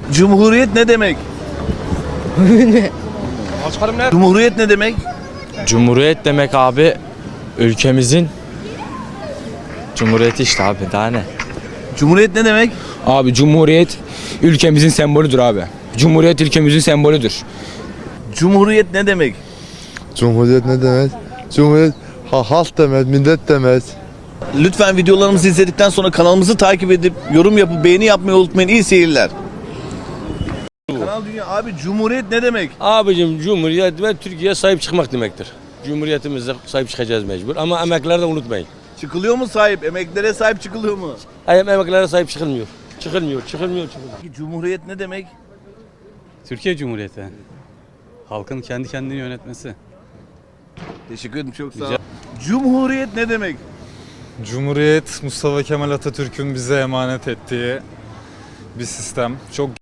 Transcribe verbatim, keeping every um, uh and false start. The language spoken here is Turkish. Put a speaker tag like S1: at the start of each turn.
S1: Cumhuriyet ne demek? Cumhuriyet ne demek?
S2: Cumhuriyet demek abi ülkemizin Cumhuriyeti işte abi daha ne?
S1: Cumhuriyet ne demek?
S3: Abi Cumhuriyet ülkemizin sembolüdür abi. Cumhuriyet ülkemizin sembolüdür.
S1: Cumhuriyet ne demek?
S4: Cumhuriyet ne demek? Cumhuriyet ha, halk demek, millet demek.
S1: Lütfen videolarımızı izledikten sonra kanalımızı takip edip yorum yapıp beğeni yapmayı unutmayın. İyi seyirler. Kanal Dünya abi Cumhuriyet ne demek?
S5: Abicim Cumhuriyet ve Türkiye'ye sahip çıkmak demektir. Cumhuriyetimize sahip çıkacağız mecbur ama emeklileri de unutmayın.
S1: Çıkılıyor mu sahip? Emeklilere sahip çıkılıyor mu?
S5: Hayır, emeklilere sahip çıkılmıyor. Çıkılmıyor, çıkılmıyor, çıkılmıyor.
S1: Peki Cumhuriyet ne demek?
S6: Türkiye Cumhuriyeti. Halkın kendi kendini yönetmesi.
S1: Teşekkür ederim, çok sağ ol. Cumhuriyet ne demek?
S7: Cumhuriyet Mustafa Kemal Atatürk'ün bize emanet ettiği bir sistem. Çok